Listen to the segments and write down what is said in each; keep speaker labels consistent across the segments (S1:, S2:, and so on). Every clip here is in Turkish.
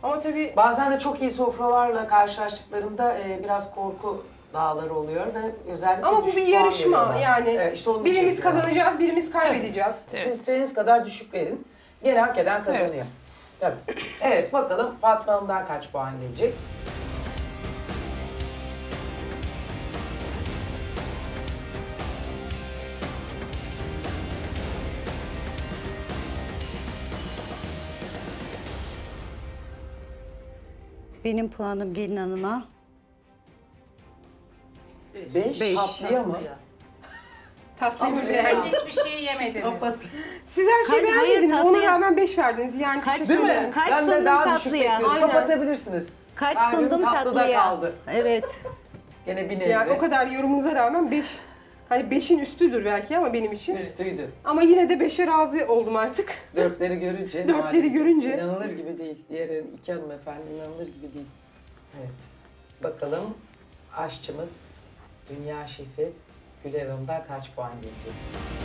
S1: Ama tabii
S2: Bazen de çok iyi sofralarla karşılaştıklarında biraz korku dağları oluyor ve özellikle
S1: ama bu
S2: düşük
S1: bir
S2: puan
S1: yarışma
S2: veriyorlar.
S1: yani.
S2: Evet, işte onun için
S1: birimiz
S2: diyorum.
S1: kazanacağız, birimiz kaybedeceğiz.
S2: Siz istediğiniz kadar düşük verin. Gene hak eden kazanıyor.
S3: Evet.
S2: Tabii. Evet, bakalım Fatma Hanım'dan kaç puan gelecek?
S4: Benim puanım gelin hanıma.
S2: 5
S4: Beş.
S2: tatlıya mı?
S1: Tatlıyı mı beğendiniz?
S5: Hiçbir şey yemediniz.
S1: Siz her şeyi
S4: Hayır,
S1: beğendiniz, ona
S4: tatlıya-
S1: rağmen 5 verdiniz. Yani
S4: Kaç
S1: teşekkür
S2: Değil mi?
S1: ederim.
S4: Kaç
S2: Ben de
S4: sundum
S2: daha düşük
S4: tatlıya?
S2: bekliyorum.
S1: Aynen.
S2: Kapatabilirsiniz.
S4: Kaç
S2: Kalbim
S4: sundum
S2: tatlıda
S4: tatlıya?
S2: kaldı.
S4: Evet.
S2: Gene bir nebze.
S1: Yani o kadar yorumunuza rağmen 5, hani 5'in üstüdür belki ama benim için.
S2: Üstüydü.
S1: Ama yine de 5'e razı oldum artık.
S2: Dörtleri görünce.
S1: Dörtleri
S2: maalesef
S1: görünce.
S2: İnanılır gibi değil. Diğer iki hanımefendi inanılır gibi değil. Evet. Bakalım aşçımız, dünya şefi Güler Hanım'dan kaç puan gelecek?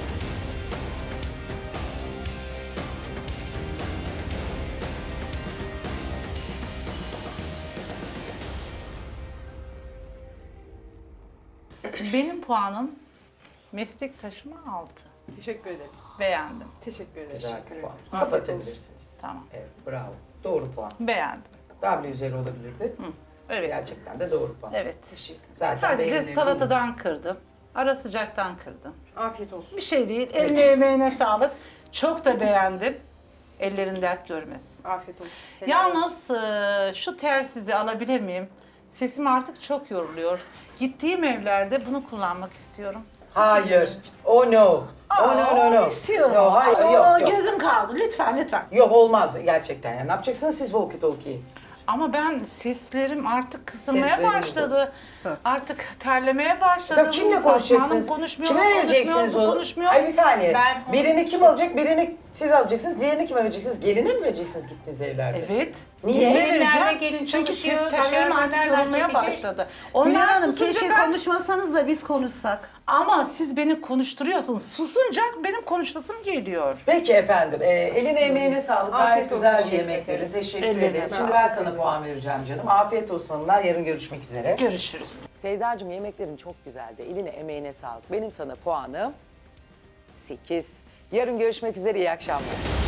S3: Benim puanım meslektaşıma 6.
S1: Teşekkür ederim.
S3: Beğendim.
S1: Teşekkür ederim.
S2: Güzel
S1: Teşekkür
S2: bir
S1: ederim.
S2: puan. Kapatabilirsiniz.
S3: Tamam.
S2: Evet, bravo. Doğru puan.
S3: Beğendim.
S2: W üzeri olabilirdi.
S3: Evet.
S2: Gerçekten de doğru puan.
S3: Evet.
S2: Zaten
S3: Sadece
S2: beğenilebilir.
S3: salatadan kırdım. Ara sıcaktan kırdım.
S1: Afiyet olsun.
S3: Bir şey değil. Eline emeğine sağlık. Çok da beğendim. Ellerin dert görmesin.
S1: Afiyet olsun. Helal olsun.
S3: Yalnız şu telsizi alabilir miyim? Sesim artık çok yoruluyor. Gittiğim evlerde bunu kullanmak istiyorum.
S2: Hayır. Oh no. Oh no no no.
S3: İstiyorum.
S2: No, hayır,
S3: Oo,
S2: yok yok.
S3: Gözüm kaldı. Lütfen lütfen.
S2: Yok olmaz gerçekten. Yani ne yapacaksınız siz walkie talkie?
S3: Ama ben seslerim artık kısılmaya
S2: Sesleriniz
S3: başladı. Artık terlemeye başladı.
S2: Tabii kimle
S3: Fatma Hanım
S2: konuşacaksınız?
S3: konuşmuyor,
S2: Kime vereceksiniz
S3: bu
S2: o?
S3: konuşmuyor.
S2: Ay bir saniye.
S5: Ben-
S2: Birini kim alacak? Birini siz alacaksınız. Diğerini kime vereceksiniz? Geline mi vereceksiniz gittiğiniz evlerde?
S3: Evet.
S2: Niye?
S3: Niye
S5: Gelinlerle
S3: vereceğim?
S5: gelin
S3: Çünkü
S5: çalışıyor,
S3: ses tellerim artık
S5: dışarıdan
S3: yorulmaya
S5: çekecek.
S3: başladı.
S4: Güler
S3: Onlar
S4: Hanım
S3: susunca
S4: keşke
S3: ben...
S4: konuşmasanız da biz konuşsak.
S3: Ama siz beni konuşturuyorsunuz. Susunca benim konuşasım geliyor.
S2: Peki efendim. Eline emeğine sağlık.
S1: Afiyet
S2: Gayet
S1: olsun.
S2: güzel bir
S1: Teşekkür
S2: yemekleri.
S1: ederiz.
S2: Teşekkür
S3: Ellerine
S2: ederiz. Şimdi
S3: sağlık.
S2: ben sana puan vereceğim canım. Afiyet olsun hanımlar. Yarın görüşmek üzere.
S3: Görüşürüz.
S2: Seyda'cığım yemeklerin çok güzeldi. Eline emeğine sağlık. Benim sana puanım 8. Yarın görüşmek üzere. İyi akşamlar.